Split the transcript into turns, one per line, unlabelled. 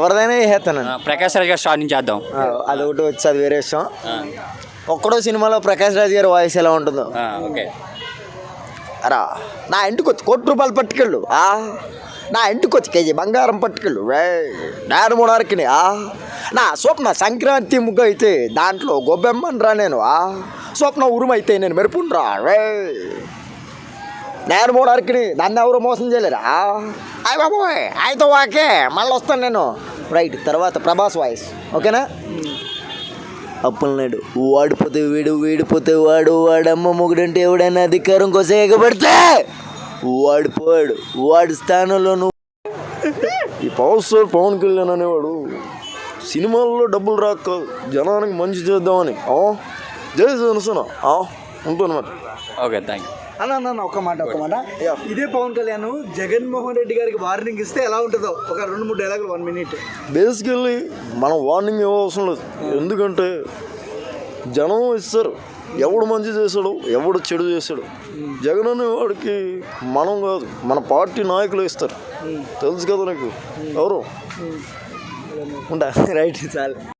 ఎవరిదైనా వేసేస్తాను.
ప్రకాష్ రాజ్ గారు స్టార్ నుంచి చేద్దాం.
అదొకటి వచ్చి అది వేరే విషయం. ఒక్కడో సినిమాలో ప్రకాష్ రాజ్ గారి వాయిస్ ఎలా ఉంటుందో.
ఓకే.
అరా నా ఇంటికి వచ్చి ₹1,00,00,000 పట్టుకెళ్ళు, నా ఇంటికి వచ్చి కేజీ బంగారం పట్టుకెళ్ళు, నేను మూడార్కిని, నా స్వప్న సంక్రాంతి ముగ్గు అయితే దాంట్లో గొబ్బెమ్మని రా నేను, స్వప్న ఉరుమైతే నేను మెరుపుండ్రా, నేను మూడార్కిని, దాన్ని ఎవరు మోసం చేయలేరా, అయ్య బాబోయ్ అయితే ఓకే మళ్ళీ వస్తాను నేను. రైట్. తర్వాత ప్రభాస్ వాయిస్ ఓకేనా. అప్పులనాడు వాడిపోతే వీడు, వీడిపోతే వాడు, వాడమ్మ మొగుడంటే ఎవడైనా అధికారం కోసం ఎగబడితే వాడిపోయాడు, వాడి స్థానంలో నువ్వు. ఈ పవర్ స్టార్ పవన్ కళ్యాణ్ అనేవాడు సినిమాల్లో డబ్బులు రాక జనానికి మంచి చేద్దామని జై జనసేన ఉంటాను మరి.
ఓకే, థ్యాంక్ యూ
అన్న. ఒక మాట ఇదే పవన్ కళ్యాణ్ జగన్మోహన్ రెడ్డి గారికి వార్నింగ్ ఇస్తే ఎలా ఉంటుందో ఒక 2-3 డైలాగులు 1 minute.
బేసికల్లీ మనం వార్నింగ్ ఇవ్వవసరం లేదు. ఎందుకంటే జనం ఇస్తారు, ఎవడు మంచి చేశాడు ఎవడు చెడు చేశాడు. జగన్ అనే వాడికి మనం కాదు మన పార్టీ నాయకులు ఇస్తారు. తెలుసు కదా నీకు ఎవరు ఉంటా. రైట్ చాలు.